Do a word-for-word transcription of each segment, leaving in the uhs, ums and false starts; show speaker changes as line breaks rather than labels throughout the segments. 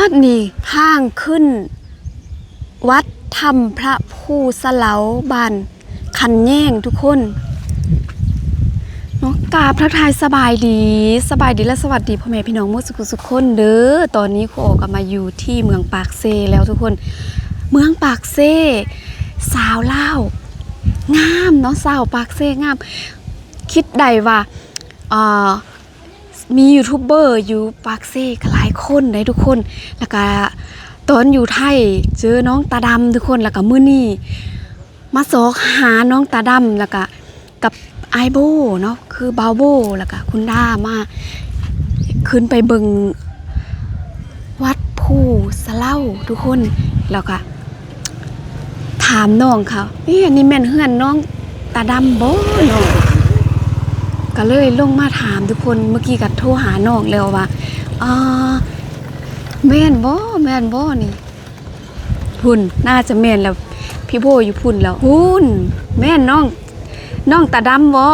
ดนี่ทางขึ้นวัดธรรมพระผู้สะเหลาบ้านคันแย่งทุกคนเนาะกราบทักทายสบายดีสบายดีและสวัสดีพ่อแม่พี่น้องหมดสุขสุขคนเด้อตอนนี้ครูโอก็มาอยู่ที่เมืองปากเซแล้วทุกคนเมืองปากเซสาวเล่างามเนาะสาวปากเซงามคิดได้ว่าอ่ามียูทูบเบอร์อยู่ปากเซ่หลายคนเลยทุกคนแล้วก็ตอนอยู่ไทยเจอน้องตาดำทุกคนแล้วก็มื้อนี้มาสอกหาน้องตาดำแล้วก็กับไอโบเนาะคือบาวโบแล้วก็คุณด้ามาขึ้นไปเบิงวัดผู้สะเหล่าทุกคนแล้วก็ถามน้องเขาเอ๊ะนี่แม่นเฮือนน้องตาดำบ่เนาะก็เลยลงมาถามทุกคนเมื่อกี้ก็โทรหาน้องแล้วว่าอ่าแม่นบ่แม่นบ่นี่พุ่นน่าจะแม่นแล้วพี่โบอยู่พุ่นแล้วพุ่นแม่นน้องน้องตาดำบ่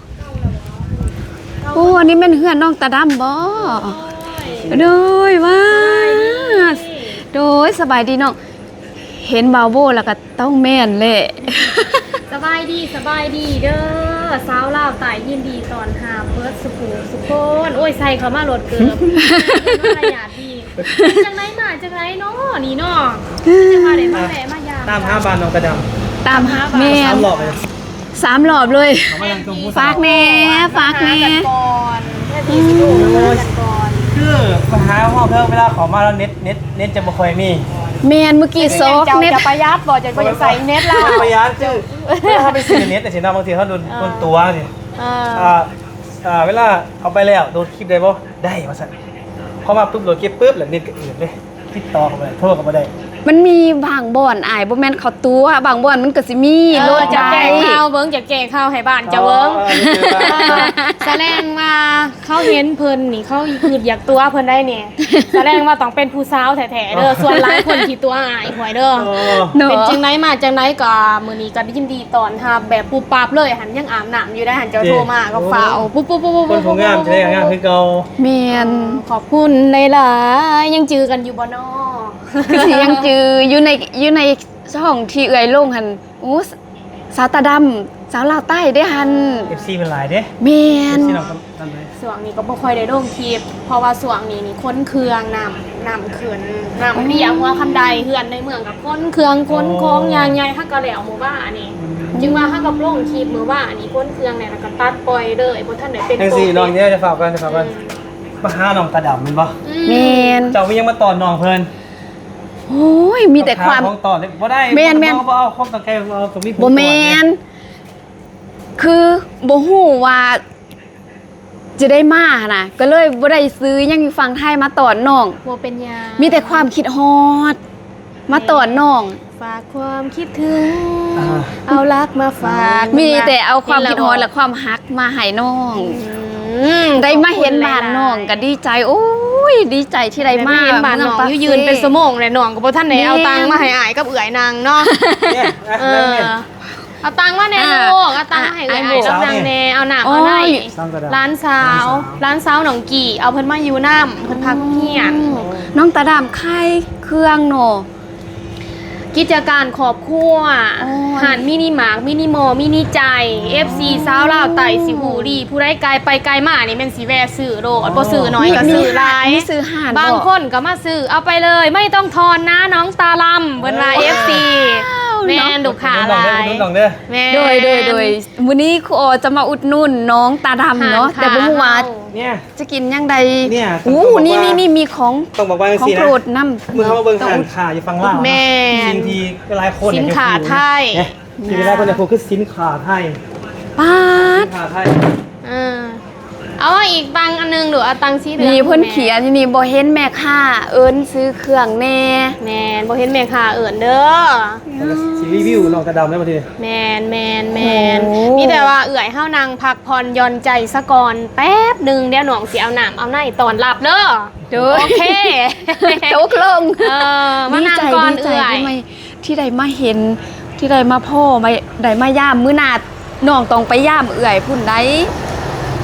โอ้อันนี้แม่นเฮือนน้องตาดำบ่โดยว่าโดยสบายดีน้องเห็นบาวโบแล้วก็ต้องแม่นแหละ
สบายดีสบายดีเด้อสาวลาวตายยินดีตอนหาเบิร์ดสุขุสุขคนโอ้ยใส่เขามาโหลดเกือบมารยาทดีจังไรมาจังไรเนาะนี่เนาะจะมาเดี๋ยวมาแหละมายาม
ตามห้าบานน้องกระดำ
ตามหาแม่สามหลอบเลยสามหลอบเลยฝากแม่ฝากแม่
ก่อนแค่ดีสิดูกันก่อน
คือปัญหาห้องเพิ่มเวลาขอมาแล้วเน็ตเน็ตเน็ตจะบ่ค่อยมี
แม่นเมื่อกี้ซอก
เน็ตจะประหยัดบ่จะบ่จะใส่เน็ตล่ะ
ประหยัดคือถ้าไปซื้อเน็ตแต่สินะบางทีเขาโดนโดนตัวสิอ่าอ่าเวลาเอาไปแล้วโดนคลิปได้บ่ได้ว่าซั่นพอมาปุ๊บโดนเก็บปุ๊บแล้วเน็ตก็อื่นเลยติดต่อเข้าไปโทรก็บ่ได้
มันมีบางบ่อนอ้ายบ่แม่นเขาตัวบางบ่อนมันก็สิมีโลด
จะแก้ข้าวเบิ่งจะแก้ข้าวให้บ้านจะเบิ่งแสดงว่าเขาเห็นเพิ่นนี่เขาคืออยากตัวเพิ่นได้เนี่ยแสดงว่าต้องเป็นผู้สาวแท้ๆเด้อส่วนหลายคนที่ตัวอายหวยเด้อเป็นจังได๋มาจังได๋ก็มื้อนี้ก็ยินดีตอนรับแบบปุ๊บปั๊บเลยหันยังอาบน้ำอยู่ได้หันเจ้าโทรมาก็ฟ้าวปุ๊บๆๆๆ
คนผู้งามจะได้งามคือเก่า
แม่น
ขอบคุณหลายๆยังจือกันอยู่บ่น้อ
คือสิยังจืออยู่ในอยู่ในช่องที่เอื้อยลงหั่นโอ้สาวตาดำสาวลาวใต้ได้หั่น
เอฟ ซี เป็นหลายเด้
แม่น
เอฟ ซี น้องตำเลย
สวงนี้ก็บ่ค่อยได้ลงคลิปเพราะว่าสวงนี้นี่ค้นเครื่องนำนำขึ้นนำเรียงหัวคันใดเฮือนในเมืองกับค้นเครื่องค้นของยางใหญ่ฮักกะแล้วหมู่บ้านนี่จึงว่าฮักกับลงคลิปมื้อว่าอันนี้ค้นเครื่องเนี่ยแล้วก็ตัดปล่อยเลยบ่ทันได้เป็นโปร
จังซี่น้องเนี่ยจะฝากกันจะฝากกันมาหาน้องกระดำแม่นบ่
แม่น
เจ้ามียังมาตอนน้องเพิ่น
โอ้ยมีแต่ความ
ของต่อเลยบ่ได้
แม่นแม่น
บ่เอาความตั้งใจเอาตรงนี้
บ่แม่นคือบ่ฮู้ว่าจะได้มาน่ะก็เลยบ่ได้ซื้อยังอยู่ฝั่งไทยมาตอนน้อง
บ่เป็นหยัง
มีแต่ความคิดฮอดมาตอนน้อง
ฝากความคิดถึงเอารักมาฝาก
มีแต่เอาความคิดฮอดและความฮักมาให้น้องได้มาเห็นบ้านน้องก็ดีใจโอ้ยดีใจที่ได้มา
เห็นบ้านน้องยืนเป็นชั่วโมงเลยน้องก็บ่ทันได้เอาตังค์มาให้อ้ายกับเอื้อยนางเนาะเออเอาตังค์มาแน่ลูกเอาตังค์มาให้เอื้อยอ้ายกับนางแน่เอาน้ำเอาได้ร้านสาวร้านสาวหนองกี่เอาเพิ่นมาอยู่น้ำเพิ่นพักเฮียน
น้องตาดำไข่เครื่องเนาะ
กิจการครอบครัวหานมินิมาร์ทมินิมอลมินิใจ เอฟ ซี สาวลาวไต่สิหูดีผู้ใดไกลไปไกลมานี่แม่นสิแวะซื้อโลดบ่ซื้อน้อยก็ซื้อหลายบางคนก็มาซื้อเอาไปเลยไม่ต้องทอนนะน้องตาลำเพิ่นว่า เอฟ ซี แม่นลูกค้าหลาย
แม่โดยโดยโดยมื้อนี้ครูออจะมาอุดหนุนน้องตาดำเนาะแต่บ่ฮู้ว่า
เนี่ย
จะกินยังใด
เนี่ย
อู้นี่นี่นี่มีของ
ต้องบอกว่าจังซี่นะ
ของโปรดนำ
มื้อเฮามาเบิ่งทานค้าอยู่ฝั่งลาว
แม่
สินที่หลายคน
สินค้าไทย
ที่หลายคนเนี่ยคือสินค้าไทย
ป๊าด
สินค้าไทย
เออเอาอีกตังอันนึงหรือเอาตังสีเหลือง
นี่เพิ่นเขียนนี่บ่เห็นแม่ค้าเอิ้นซื้อเครื่องแน่
แม่นบ่เห็นแม่ค้าเอิ้นเด้อ
สิรีวิวน้องกระดำได้บ่ที
แม่นแม่นแม่นมีแต่ว่าเอื้อยเฮานางพักผ่อนหย่อนใจซะก่อนแป๊บนึงเดี๋ยวน้องสิเอาน้ำเอาในตอนรับเด้อโอเค
ตกลง
เออมานั่งก่อนเอื้อย
ที่ได้มาเห็นที่ได้มาพ่อมาได้มาย่ามมื้อหน้าน้องต้องไปย่ามเอื้อยพุ่นใด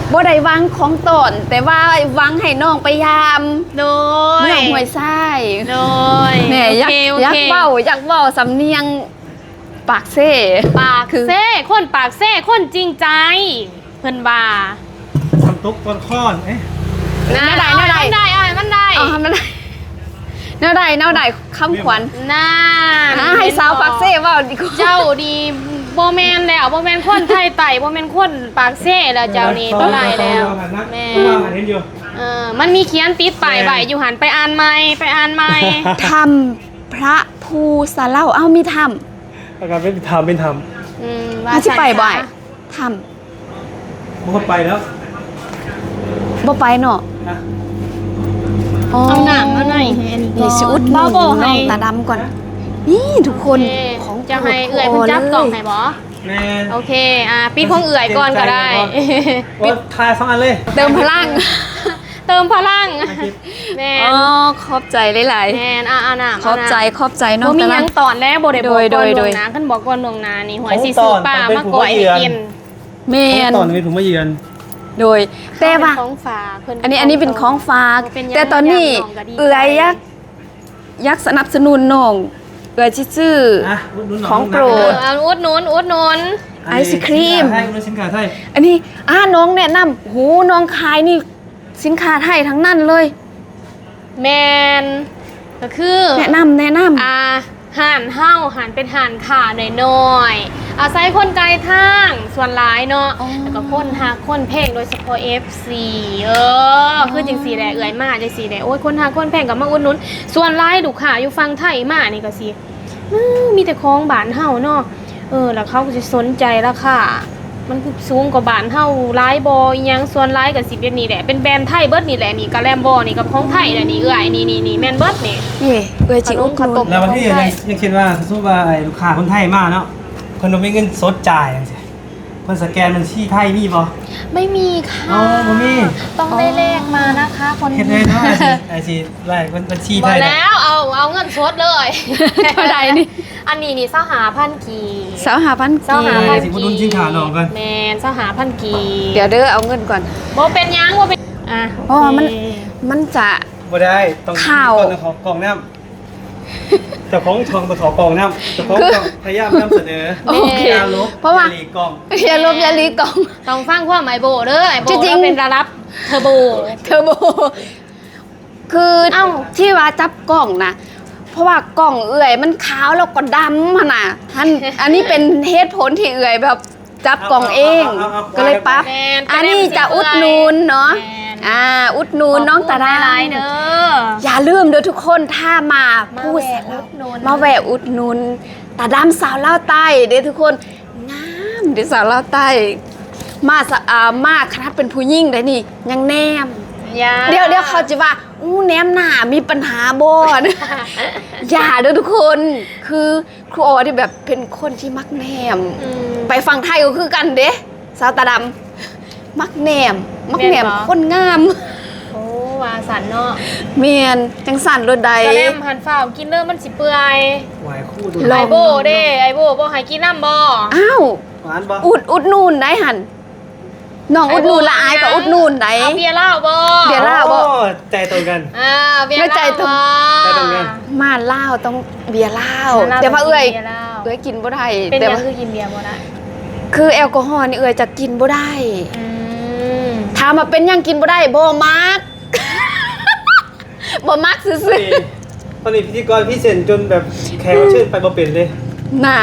บ่ได้วางของตนแต่ว่าวางให้น้องไปยาม
โดย
เมืองห้วยทราย
โดย
แหม่อยาก
โอเค
อยาก
โอเค
เว้าอยากเว้าสำเนียงปากเซ่
ปาก
คือ
เซ่คนปากเซ่คนจริงใจเพิ่นว่า
ทำตุ๊กต้นข้อนเอ๊ะ
นะ
แนวใดแนวใด
มันได้อ่ะมันได้
เอาทำมันได้แนวใดแนวใดคำขวัญ
น่า
อ่าให้สาวปากเซ่เว้าดีกว่า
เจ้าดีบ่แม่นแล้วบ่แม่นคนไทยไต่บ่แม่นคนปากเซ่แล้วเจ้านี่บ่ได้แล้วแม่
แม่ว่าเห็นอยู่
เออมันมีเขียนติดป้ายไว้อยู่หันไปอ่านใหม่ไปอ่านใหม่
ทำพระภูสะเล่าเอ้ามีทำ
อาการเป็นธรรมเป็นธรรม
อืม
อาที่ไปบ่อยท
บางคนไปแล้ว
ำบ่ไปเนาะ
นะ
เอาหนังมาหน่อยให้อันนี้ก่
นี่
อน
สิอุดห
บ่
นุน
บ่
น้
ให้
องตาดำก่อน นี่ทุกคน
โอเค
ของ
จะให้
โปรด
เอื่อยเพิ่นจับกล่องให้บ่
แม่
โอเคอ่ะปิดของเอื่อยก่อนก็ได้
ปิดทายสองอันเลย
เติมพลัง
เติมพลังแม่
อ๋อขอบใจหลาย
แม่นอ่ะอ่ะน้ำ
ๆขอบใจขอบใจน้อ
บ่
ง
มี
ตา
หยัง
ดำ
ตอนแล้วบ่ได้บอก
โดย
ก่อน
โด
ล่วย ง
โดย
หน้าคันบอกก่อนล่วงหน้านี่หวยสิซื้อปลามาก่อยให้กิน
แมน
ตอนนี้ผมมาเยือน
โดยแต่ว่า
ของฝากเพิ่น
อันนี้อันนี้เป็นของฝาก
เป็นหยัง
แต่ตอนนี้
ย่างก็ดีใจ
เอือยยักยักสนับสนุนน้องเอือยชื่อ
อ่ะอุดหนุนหน่ย
ของโปร
เออ
ด
เอาอุดหนุนอุดหนุน
ไอศครีม
สินค้าไทยอุดหนุนสินค้าไทย
อันนี้อ่าน้องแนะนำโหน้องขายนี่สินค้าไทยทั้งนั้นเลย
แมนก็คือ
แนะนำแนะนำ
อ่าห่านเฮาห่านเป็นห่านขาหน่อยๆอาศัยคนไกลทางส่วนหลายเนาะ
อ๋อ
แล้วก็คนหาคนเพลงโดยเฉพาะ เอฟ ซี เออคือจังสีแหละเอื่อยมาจังสีแหละโอ้ยคนหาคนเพลงกับมาอุดหนุนส่วนหลายลูกค้าอยู่ฟังไทยมานี่ก็สิอื้อมีแต่ของบ้านเฮาเนาะเออแล้วเขาก็สิสนใจราคามันคือสูงกว่าบ้านเฮาหลายบ่อีหยังส่วนหลายก็สิเป็นนี่แหละเป็นแบรนด์ไทยเบิดนี่แหละนี่กะแลมบ่นี่กับของไทยแหละนี่เอื่อยนี่นี่นี่แม่นเบิดนี่
นี่เอือยจิอุดห
ขน
นุ
ม
น
แล้ววันที่ยังยังคิดว่าสมมุติว่าไอ้ลูกค้าคนไทยมาเนาะคนเราไม่เงินสดจ่ายจังซี่เพิ่นสแกนบัญชีไทยมีบ่
ไม่มีค่ะ
อ๋อบ่มี
ต้องได้เลขมานะคะคน
เฮ็ดได้เนาะไอ้สิไอ้สิไล่บัญชี
บ
ไท
อก
ยน่ะ
แล้วเอาเอาเงินสดเลย
เท่าใดนี่
อันนี้นี่เศร้าหาพันกี
สาวหาพัน
เศร้า
กี
หา
เอ
พั
อน สิอุดหนุนสินค้าน้องก่อน
แมนเศร้าหาพันกี
เดี๋ยวเด้อเอาเงินก่อน
โบเป็นหยังโบเป็นอ่ะ
อ๋อมัน
โเค
มันจะ
บ่ได้ต้อง
ข่าว
ก่อนต้องขอกล่องน้ำเจ้าของช่องต้องขอกล่องน้ำเจ้าของช่องพยายามนำเสนอ
โอเค
อย่าลบ
เพราะว่า
อย่หลีกกล่อง
อย่าลบอย่าลีกล่อง
ต้องฟังความไอโบเด้อไอโบ
จริงๆ
เราเป็นระดับเทอร์โบ
เทอร์โบ คือ
เอ้า
ที่ว่าจับกล่องนะ เพราะว่ากล่องเอื่อยมันขาวแล้วก็ดำอะนะท่านอันนี้เป็นเหตุผลที่เอื่อยแบบจับกล่องเอง
เอาเอาเอาเอา
ก็เลยปั๊บ
แมน
อันนี้จะอุดหนูนเนาะ
แม่น
อ่า อุดหนูนน้องตาดา
หลายๆเด้อ
อย่าลืมเด้อทุกคนถ้ามา
มา
พูด
แวะอุดหนุน
มาแวะอุดหนุนตาดำสาวเล่าวใต้เด้อทุกคนงามเด้อสาวเล่าวใต้ มาสะอ่ามากคณะเป็นผู้ยิ่งได้นี่ ยังแนม
อย่า
เดี๋ยวเดี๋ยวเขาจะว่าอู้แนมหน้ามีปัญหาบอน อย่าเด้อทุกคน คือครูออที่แบบเป็นคนที่มักแนม
อืม
ไปฟังไทยก็คือกันเด้สาวตาดำมักแนม มักแนม
แม่นบ่
คนงาม
โอ้วาสันเนาะ
เมียนจังสันรถใด
กระแลมหันฝ้าวกินเด้อมันสิเปื่อย
หวายคู่ดู
ลอง
ไอโบเด้ไอโบบ่ให้กินน้ำบ่
อ้าว
หวานบ่
อุดอุดนูนได้หันน้องอุดนูนละอายกับอุดนูนได้
เอาเบียร์เหล้าบ่
เบียร์เหล้า บ่
โอ้ใจตรงกัน
อ่าเบียร์เห
ไม่ใจ
ล้า
ตรง
บ่
ใจตรงกัน
มาเหล้าต้องเบียร์เหล้า
หล้
แต่ว่าเอ้ย
บีร์หล้า
เอ้ยกินบ่ได้
เป็น
แต่
ยัง
ว่า
คือกินเบียร์บ่ได้
คือแอลกอฮอล์นี่เอ้ยจะกินบ่ได้
อืม
ถามมาเป็นหยังกินบ่ได้บ่มัก บ่มักซื่อ
นี่ตอนนี้พิธีกรพี่เซนจนแบบแขกรับเชิญไปบ่เป็นเลย
ๆน่า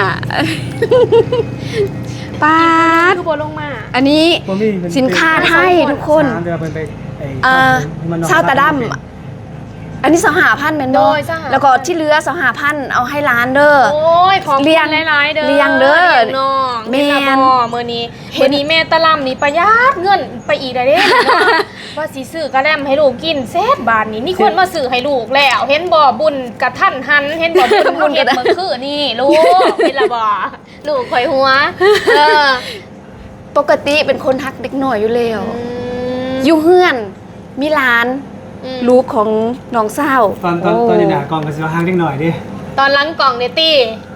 ปาด
คือบ่ลงมา
อันนี้
บ่มีมัน
สินค้าไทยทุกคน
สามเดือนเพิ่นไปไอ้
อ่า
มันนอน
ชาวตาดำอันนี้สหาพันธ์แม่น
โด
บ่
ยสหพันธ์
แล้วก็ที่เหลือสหาพันธ์เอาให้ร้านเด้อ
โอ้ยของ
เลี้ยง
หลายๆเด้อ
เลี้ยงเด้อ
ลี้ยงน้อง
แม่น
เห็นละบ่มื้อนี้มื้อนี้แม่ตะล่ำนี่ประหยัดเงินไปอีกได้เด้ ว่าสิซื้อกระแลมให้ลูกกินแซ่บบาทนี้มีคนมาซื้อให้ลูกแล้ว เห็นบ่บุญกระทันหันเห็นบ่บุญ
บุญก
เฮ็
ระ
ด
ทัน
เมื่อคืนนี่ลูกเห็นละบ่ลูกข่อยหัวเออ
ปกติเป็นคนทักเด็กหน่อยอยู่แล้ว
อืม
อยู่เฮือน มีร้าน
อืม
ลูกของน้องสาว
ตอนตอน
โ
ตอนอยู่หน้ากองก็สิว่าห่างเล็กหน่อยดิ
ตอนหลังกล่องเนี่ยตี้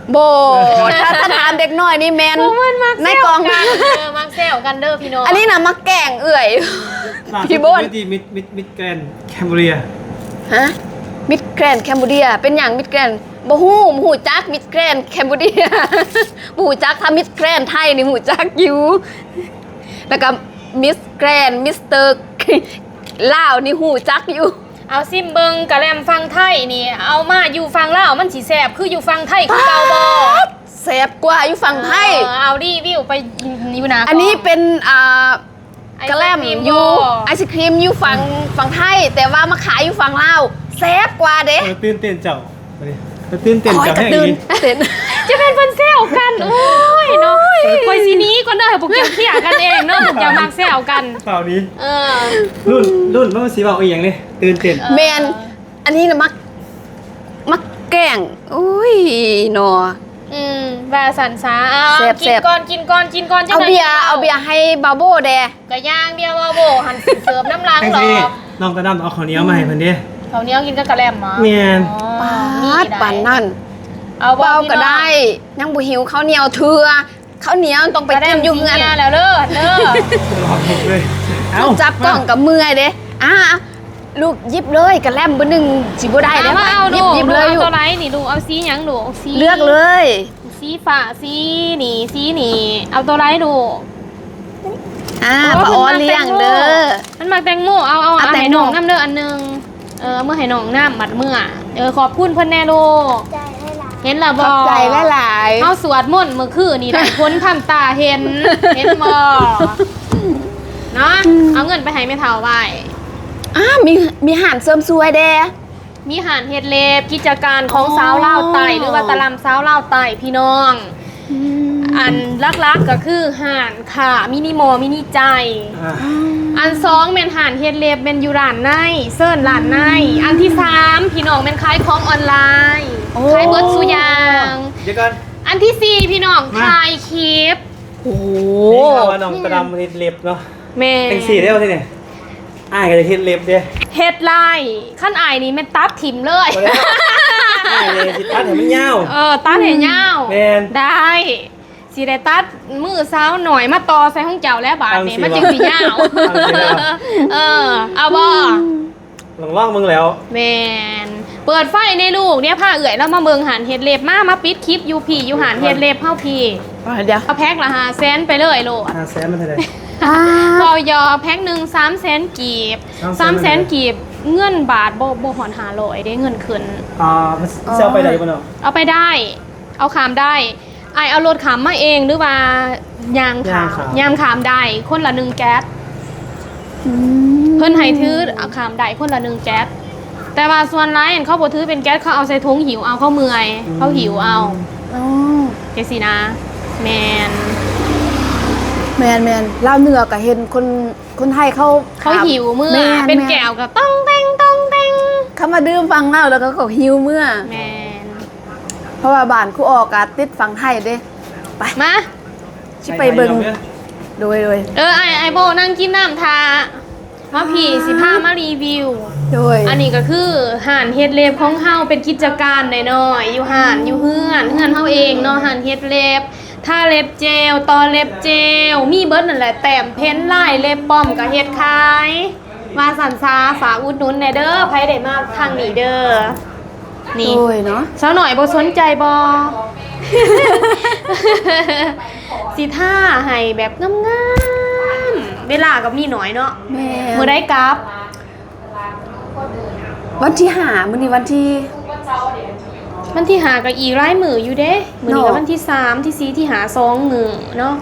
โบถ้าถ้าถามเด็กน้อยนี่แมน
พวกมันมัก
ใน
แซ
ก
ว
อง
กันเออมักแซวกันเด้อพี่น้อง
อันนี้นะมาแกล้งเอื่อย
ล่าสุด
พี่บน
ที่มิดมิดมิดแกรนด์แคมเบรีย
ฮะมิดแกรนแคมบูเดียเป็นอย่างมิดแกรนบ่ฮู้บ่ฮู้จักมิดแกรนแคมบูเดีย บ่ฮู้จักถ้ามิดแกรนไทยนี่ฮู้จักอยู่แล้วก็มิสแกรนมิสเตอร์ ลาวนี่ฮู้จักอยู่
เอาซิมเบิงกะแลมฟังไทยนี่เอามาอยู่ฟังลาวมันสิแซ่บคืออยู่ฟังไทยคือเก่าบ่
แซ่บกว่าอยู่ฝั่งไทย
เออเอารีวิวไปอยู่นะ
อันนี้เป็นอ่า
ไอศ
กะแลม
รี
อยู่
บ่
ไอศครีมอยู่ฝั่งฝั่งไทย แต่ว่ามาขายอยู่ฝั่งลาวแซ่บกว่าเด้
เออตื่นเต้นเจ้าไปดิไปตื่นเต้น
คอย
เจ้าก
ระ
แห้ง
ตื่น
อี
เต้น
จะเป็นเพิ่นแซวกันโอ้ยเนาะคอยสิหนี้ก่อนเด้อให้พวกเจ้าเคลียร์กันเองเนาะพวกเจ้ามักแซวกัน
เปล่านี้
เออ
รุ่นรุ่นมันสีเบาอีกอย่างเลยตื่นเต้น
แมนอันนี้นะมักมักแกล้งอุ้ยหนอ
อืมว่าสันสาเอา
แซ่บ
กิ
แซ่
น
บ
ก่อนกินก่อนกินก่อนจัง
เอา
ไหน
เบียร์เอาเบียร์ให้บาโบแด
กะย่างเบียร์ว่าโบหันสิเสิร์ฟน้ำล้าง
แท็ก
หรอ
ซี่น้องตะดำเอาข้าวเหนียวมาให้เพิ่นเด้
เขาวเหนี้ยวกินกับกะแลมหมา
แม่น
ปา
นี่
ดปั่นนั่น
เอาบ่
เบา
พี่
ก็
น้อง
ได้ยังบ่หิวข้าวเหนียวเถื่อข้าวเหนียวต้องไป
กะแล
กิ
ม
นอยู่เฮือน
กิแล้วเด้อเด้อ
รอบหกเลยเอ้า
จับกล่องกับมือเด้อ่าลูกหยิบเลยกระแลมเบอร์หนึ่งสิบ่ได้
เอา
เด้
มาเอา
หยิ
ดู
บหยิบเลย
เอา
อยู่
ตัวไรนี่ดูเอาสีหยังดูสี
เลือกเลย
สีฟ้าสีนี่สีนี่เอาตัวไรดู
อ่า
โ
ปลาออนเลี้ยงเด้อ
มันมาแตงโมเอาเอา
เอา
เอา
แตง
ให้
โม
น้องน้ำเด้ออันหนึงเออเมื่อให้น้องน้ำมัดเมื่อเออขอบคุณเพิ่นแน่ลูกเห็นละ
ข
บ่
อบใจหลาย
เฮาสวดมนต์เมื่อคืนนี่ได้พ้นทำตาเห็นเห็นบ่เนาะเอาเงินไปให้แม่เฒ่าไว้
ๆอ่ามีมีอาหารเสริมสวยเด้
มีหานเฮ็ดเล็บกิจการของ
อ๋อ
สาวลาวไต่หรือว่าตะลำสาวลาวไต่พี่น้อง อันลักๆก็คือห่านค่ะมินิโมมินิใจ
อ่า
อันสองแม่นห่านเฮ็ดเล็บเป็นอยู่ร้านในเซิร์นร้านในอันที่สามพี่น้องเป็นขายของออนไลน์
โอ้
ขายเบิร์ดสุอยาง
เดี๋ยวก่อน
อันที่สี่พี่น้อง
มา
ขายคลิป
โอ้โห
นี่เราว่าน้องตะดำมันเล็บเนาะ
แม่
เป็นสีได้ป่ะที่เนี่ยอ้ายก็จะเฮ็ดเล็บเด้
เฮ็ดไลน์ขั้นอายนี่แม่นตัดถิ่มเลย
บ่ได้อ้ายเลยสิตัดให้มันยาว
เออตัดให้ยาว
แม่น
ได้สิได้ตัดมือเช้าหน่อยมาต่อใส่ห้องเจ้าแล้วบาทนี่
เอาสิ
มันจึงสิยาว
เอาสิเอา
เออเอาบ่
ลองลองมึงแล้ว
แมนเปิดไฟในลูกเนี่ยผ้าเอื่อยแล้วมาเมืองหันเฮ็ดเล็บมามาปิดคลิปยูพีอยู่หันเฮ็ดเล็บเฮาพี่
เดี๋ยว
เอาแพ็คละห้าแสนไปเลยโลด
ห้าแสนมันเท่าไหร่
อ่า
เรายอแพ็คหนึ่งสามแสนกีบสามแสนกีบเงินบาทบ่บ่หอนหาร้อยได้เงินขึ้น
อ่ามันเซลไปได้บ่เนาะ
เอาไปได้ เอาขามได้ไอเอารถขามมาเองหรือว่ายางขามยางขามได้คนละหนึ่งแก๊ส
อืม
เพิ่นให้ถือเอาขามได้คนละหนึ่งแก๊สแต่ว่าส่วนร้ายอันเขาบ่ถือเป็นแก๊สเขาเอาใส่ถุงหิวเอาเขาเมื่อยเขาหิวเอา
อ๋อ
เจสินะแมน
แมนแมนลาวเหนือก็เห็นคนคนไทยเขา
เขาหิวเมื่อ
แม่
เป็น
ม่
แก้วกับต้องเต้งต้องเต้ง
เขามาดื่มฟังเล่าแล้วก็เขาหิวเมื่อ
แมน
เพราะว่าบ้านครูออกกาติดฟังไทยเด้ไป
มา
ชิไปเบิ่งโดยโดย
เออไอไอโบนั่งกินน้ำทามาพี่สิพามารีวิว
โดย
อันนี้ก็คือห่านเฮ็ดเล็บของเฮาเป็นกิจการน้อยๆอยู่ห่านอยู่เฮือนเฮือนเฮาเองเนาะห่านเฮ็ดเล็บทาเล็บเจลตอเล็บเจลมีเบิดนั่นแหละแต้มเพ้นลายเล็บป้อมก็เฮ็ดขายมาสันซาฝากอุดหนุนแหน่เด้อไผได้มาทางนี้เด้อนี่
โดยเนาะ
สาวหน่อยบ่สนใจบ่ สิท่าให้แบบงามๆเวลาก็มีน้อยเนาะ
แม่
มื้อได้กลับ
วันที่ห้ามื้อนี้วันที่
วันที่หากับอีกหลายมืออยู่เด้มื้อนี้ก็
เนาะ
วันที่สามที่สี่ที่หาสองมือเนาะ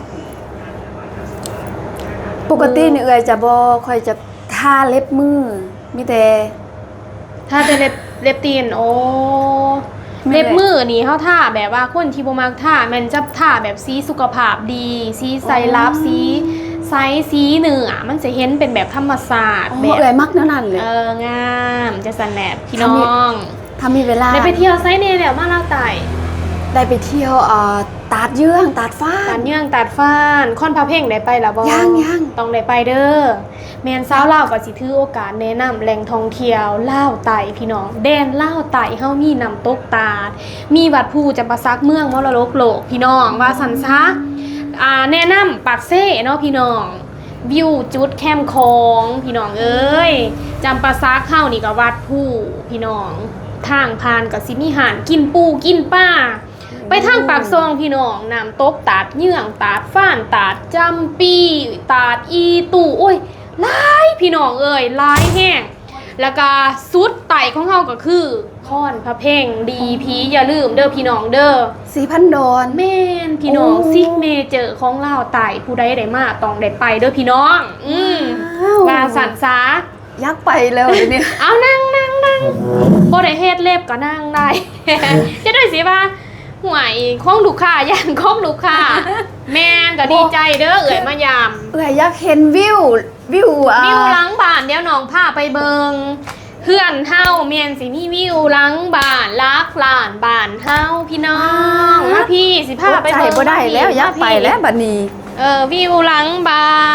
ปกตินี่เอ่ยจะบ่ค่อยจะทาเล็บมือมีแต่
ถ้าแต่เล็บเล็บตีนโอ้
ไม่ได้
เล็บมือนี่เฮาท่าแบบว่าคนที่บ่มักท่ามันจะท่าแบบสีสุขภาพดีสีไซรัปสีไซส์สีเนื้อมันจะเห็นเป็นแบบธรรมศาสตร์
อ๋อ
แบบ
เอ่ยมักแนวนั้นเลย
เอองามจะสันแหนบพี่น้อง
ถ้ามีเวลา
ได้ไปเที่ยวไซส์เนแล้วมาลาวไต่
ได้ไปเที่ยวเอ่อตาดเยื่องตาดฟ้า
ตัดเยื่องตัดฟ้านค่อนพระเพ่งได้ไปแล้วบ่
ยังยัง
ต้องได้ไปเด้อแมนสาวลาวก็สิถือโอกาสแนะนำแหล่งท่องเที่ยวลาวไต่พี่น้องแดนลาวไต่เฮามีน้ำตกตาดมีวัดภูจำปาสักเมืองมรดกโลกพี่น้องว่าสันซะอ่าแนะนำปากเซ่เนาะพี่น้องวิวจุดแคมป์ของพี่น้องเอ้ยจำปาสักเฮานี่ก็วัดภูพี่น้องทางผ่านก็สิมีหารกินปูกินป้าไปทางปากซองพี่น้องน้ำตกตาดเยื่องตาดฟ้านตาดจำปีตาดอีตู่โอ้ยหลายพี่น้องเอ้ยหลายแห้งแล้วก็สุดไต่ของเฮาก็คือค่อนพระเพ่งดีพีอย่าลืมเด้อพี่น้องเด้อ
สีพันดอน
แม่นพี่น้อง
โอ้
ซิกเมเจอร์ของลาวไต่ผู้ใดได้มาต้องได้ไปเด้อพี่น้อง อืม
ว้าว
ว่าสันซา
ยักไปแล้วเดี๋ยวนี้
เอานั่งนั่งนั่งบ่ได้เฮ็ดเล็บก็นั่งได้ จะได้สิว่าห่วยของลูกค้าย่านของลูกค้าแม่นก็ดีใจเด้อเอ่ยมายาม
เอ้ยอยากเห็นวิววิวอ่ะ
วิวหลังบ้านเดี๋ยวน้องพาไปเบิงเพื่อนเฮาแม่นสิมีวิวหลังบ้านลักลานบ้านเฮาพี่น้องมาพี่สิพาไป
ใจ
เบิง
บ่ได้แล้วอยากไปแล้วบัดนี้
เออวิวหลังบ้าน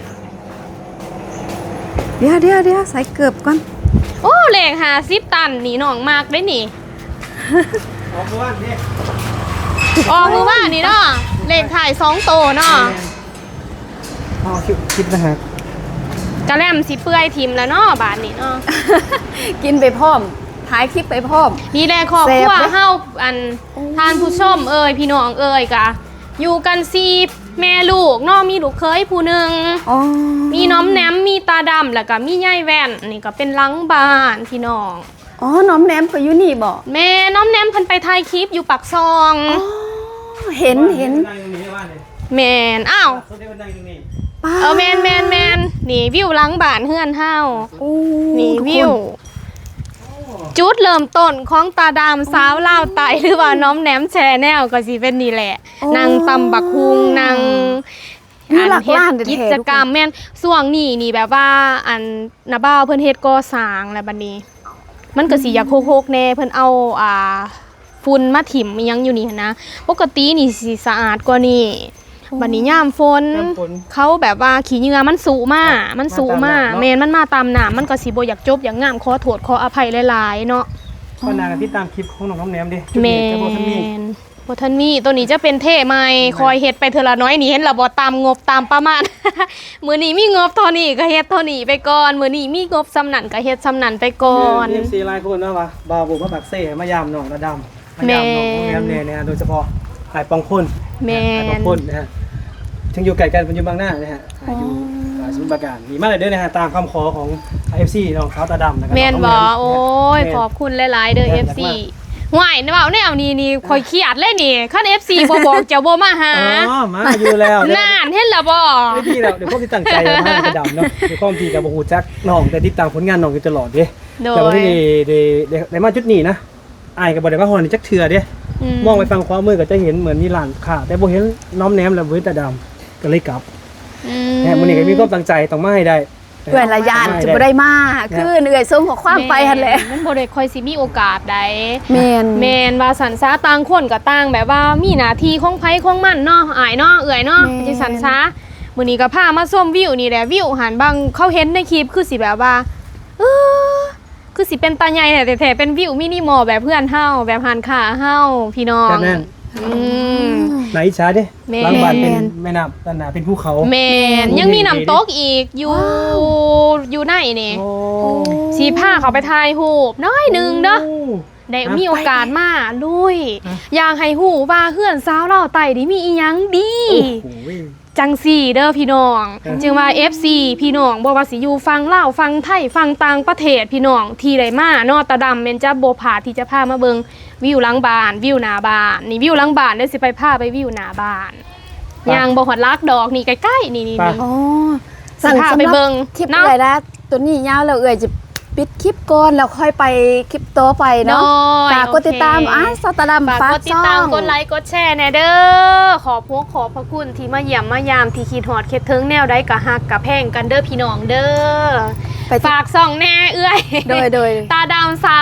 เดี๋ยวเดี๋ยวเดี๋ยวใส่เกือบก่อน
โอ้เลขห้าสิบตันนี่น้องมากได้นี่
ออกบ้านนี่
ออกมือว่านี่เนาะเลขถ่ายสองโตเนาะ
อ๋อคิดคิดนะฮะ
กระแลมสิเปื่อยทิมแล้วเนาะบาทนี่เนาะ
กินไปพร้อมถ่ายคลิปไปพร้อม
นี่แหละครอบครัว
แซ่บเด้
เฮาอันทานผู้ชมเอ่ยพี่น้องเอ่ยกะอยู่กันซีแม่ลูกเนาะมีลูกเคยผู้หนึ่ง
อ๋อ
มีน้อมแนมมีตาดำแล้วก็มียายแว่นนี่ก็เป็นหลังบ้านพี่น้อง
อ๋อน้อมแนมก็อยู่นี่บ่
แม่น้อมแนมเพิ่นไปถ่ายคลิปอยู่ปากซอง
อ๋อเห็นเห็น
นั่งตรงนี้บ้านเลย
แม่นอ้าว
เขาได้มานั่งตรงนี้
ป้า
เออแม่นแม่นแม่นนี่วิวหลังบ้านเฮือนเฮา
โอ้
นี่
ทุกคน
วิว จุดเริ่มต้นของตาดำสาวลาวไตหรือว่าน้อมแหนมแชแนลก็สิเป็นนี่แหละนางตำบักฮุงนาง
มีหลักล้าน
เฮ็ด
แท้ๆ
กิจกรรมแม่นส่วงนี้นี่แบบว่าอันนาบ้าวเพิ่นเฮ็ดก่อสร้างแล้วบัดนี้ มันก็สิอยากโคกๆแน่เพิ่นเอาอ่าฝุ่นมาถิ่มอิหยังอยู่นี่หั้นนะปกตินี่สิสะอาดกว่านี้บัดนี้ยามฝน
ยามฝน
เขาแบบว่าขี้เหงื่อมันสูมา มันสูมา
มาตามน้ำเนาะ
แม่นมันมาตามน้ำมันก็สิบ่อยากจบอยากงามขอโทษขออภัยหลายๆเนาะ
ก็นางกันที่ตามคลิปของน้องน้ำแหนมดิจุด
แม
นี้จะบอกท่านมี
นบทันมีตัวนี้จะเป็นเท่ไหมคอยเฮ็ดไปเทอละน้อยนี่เห็นละบ่ตามงบตามประมาณ มื้อนี้มีงบเท่านี้ก็เฮ็ดเท่านี้ไปก่อนมื้อนี้มีงบสำนันก็เฮ็ดสำนันไปก่อน
เอฟซีไลน์คนนะวะบาวบุกมาปักเซ่มายามน้องระดำมายามน้องน้ำแหนมเนี่ยนะฮะโดยเฉพาะหายปองคน
แม่น
หายปองคนนะฮะถึงอยู่ไกลกันเป็นอยู่บางหน้านะฮะหายอยู่อ่าสมุทรปราการมีมากเลยด้วยนะฮะตามคำขอของเอฟซีน้องเขาตาดำนะครับ
แม่น
น้ง
บ่
แหม
โอ้ย
แม่น
ขอบคุณหลายๆเด้อ
แม่น
เอฟ ซี
มาก
ห่วยเว้าแนวนี้นี่ข่อยเครียดเลยนี่คัน เอฟ ซี บ่บอกจะบ่มาหา
อ๋อมาอยู่แล้วเดี๋ยวน
านเห็นละบ่
ไม่พี่แล้วเดี๋ยวพวกที่ตั้งใจมากระดำเนาะเดี๋ยวข้อมทีกับบูฮูจักน้องแต่ติดตามผลงานน้องอยู่ตลอดเด้
โด
แต่วัน
ย
นี้ได้ได้ได้ได้มาจุดนี้นะอายกับบอได้มาฮอนจักเถื่อเด้ มองไปฟังความมือก็จะเห็นเหมือนมีหลานค่ะ แต่บ่เห็นน้อมแนมแล้วเว้ยแต่ดำก็เลยกลับ
อืม
แหมมื้อนี้ก็มีความตั้งใจต้องมาให้ได้
เอื่อยละยานจะบ่ได้มาคือเหนื่อยส่งขอความไปหั่นแหละ
มันบ่ได้ค่อยสิมีโอกาสใด
แม่น
แมนว่าสันซาต่างคนก็ต่างแบบว่ามีหน้าที่ของไผของมันเนาะอายเนาะเอื่อยเนาะ
แม่น
จังสันซามื้อนี้ก็พามาส้มวิวนี่แหละวิวหันบางเขาเห็นในคลิปคือสิแบบว่าเออคือสิเป็นตาใหญ่แต่แท้ๆเป็นวิวมินิมอลแบบเพื่อนเฮาแบบหันขาเฮาพี่น้อง
แบบนั้น
อืม
ไหนอิจฉาเด้
แม่น
หลังบ้านเป็นแม่น้ำด้านหน้าเป็นภูเขา
แมนยังมีน้ำตกอีกอยู่อยู่ในนี่
โอ้
สีผ้าเขาไปถ่ายรูปน้อยหนึงเด้อ
โ
ได้
อ่ะ
มีโอกาสมาลุย
อ่ะ
อยากให้หูว่าเฮือนสาวเราไต่นี่มีอีหยังดี
โอ้โห
จังสี่เด้อพี่น้อง
อ่ะ
จึงว่า เอฟ ซี พี่น้องบ่ว่าสิอยู่ฟังลาวฟังไทยฟังต่างประเทศพี่น้องที่ได้มาเนาะตาดำแม่นจะบ่พลาดที่จะพามาเบิ่งวิวหลังบ้านวิวหน้าบ้านนี่วิวหลังบ้านเดี๋ยวสิไปพาไปวิวหน้าบ้านยางบ่ฮอดลักดอกนี่ใกล้ๆนี่นี่นี่
อ๋อ
สิพาไปเบิ่ง
คลิป
เนาะ
อะไรนะตัวนี้ยาวแล้วเอื่อยจะปิดคลิปก่อนแล้วค่อยไปคลิปต่อไปเนาะ
โดย
ฝากกดติดตาม
โอเค
อ่ะสตาร์ดัม
ฝาก
ฝาก
กดติด
ช่อ
ตาม
ง
กดไลค์กดแชร์แน่เด้อขอบพวกขอบพระคุณที่มาเยี่ยมมายามที่คิดฮอดคิดถึงแนวใดก็ฮักกะแพงกันเด้อพี่น้องเด้อ
ไปที่
ฝากส่องแน่เอื้อย
โดยโดย
ตาดำสาวลาวไต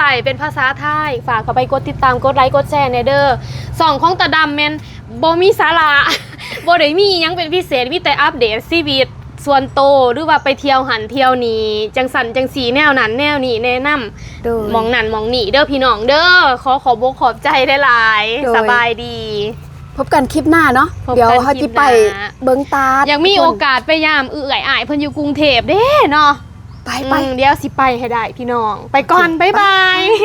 ถ่ายเป็นภาษาไทยฝากเข้าไปกดติดตามกดไลค์กดแชร์ในเด้อส่องของตาดำแมนบ่มีสาระ บ่ได้มีหยังเป็นพิเศษมีแต่อัปเดตชีวิตส่วนโตวหรือว่าไปเที่ยวหันเที่ยวนี้จังสันจังสีแนวนั้นแนวนี้แนะนำ
โดย
มองนั่นมองนี่เด้อพี่น้องเด้อขอขอบอกขอบใจได้หลาย
โดย
สบายดี
พบกันคลิปหน้าเนาะ
พบกัน
เดี๋ยวเขา
คลิ
จะ
ป
ไป
หน้า
เบิงตา
อยากมีโอกาสไปยามเอื่อยอายเพิ่นอยู่กรุงเทพเด้เนาะ
ไปไป
อืมเดี๋ยวสิไปให้ได้พี่น้อง ไปก่อน บ๊ายบาย